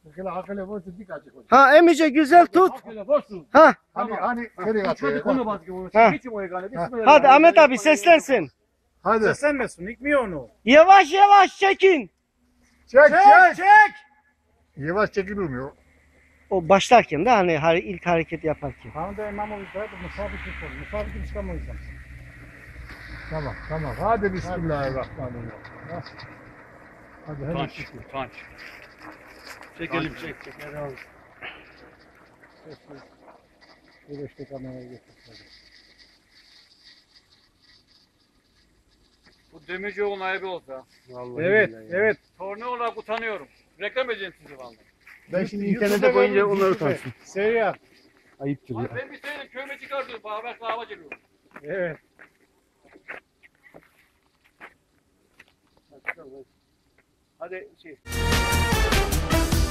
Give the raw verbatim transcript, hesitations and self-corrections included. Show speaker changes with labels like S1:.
S1: Hakele hakele boştu dikkat et.
S2: Ha emice güzel tut.
S3: Hakele boşsun.
S2: Ha.
S1: Hani hani nereye
S3: Çocuk
S1: atıyor?
S3: onu bakıyor.
S2: Ha.
S3: Geçin o egane.
S2: Hadi Ahmet abi seslensin.
S1: Hadi.
S3: Seslenmesin. İkmiyor onu.
S2: Yavaş yavaş çekin.
S1: Çek çek.
S3: çek.
S1: Yavaş çekilmiyor.
S2: O başlarken de hani har- ilk hareket yaparken.
S3: Tamam da İmamoğlu da musabık yapalım. Musabık çıkamayacağım.
S1: Tamam tamam. Hadi bismillahirrahmanirrahim. Ha. Hadi hadi.
S3: Utanç. Utanç. Çekelim çek çek.
S1: Güneşte kameraya getirdim.
S3: Bu Demircioğlu'nun ayıbı olsa.
S1: Vallahi
S3: Evet
S1: billahi.
S3: evet. Torne olarak utanıyorum. Reklam edeceğim sizi vallahi.
S1: Ben şimdi
S2: YouTube'da
S1: internete koyunca
S2: böyle
S1: onları
S2: YouTube'da.
S1: utansın.
S3: Seviye.
S1: Ayıptır
S3: Abi
S1: ya.
S3: ben bir seyredip köyme çıkartıyorum. Beraber kahve geliyorum. Evet. Hadi şey.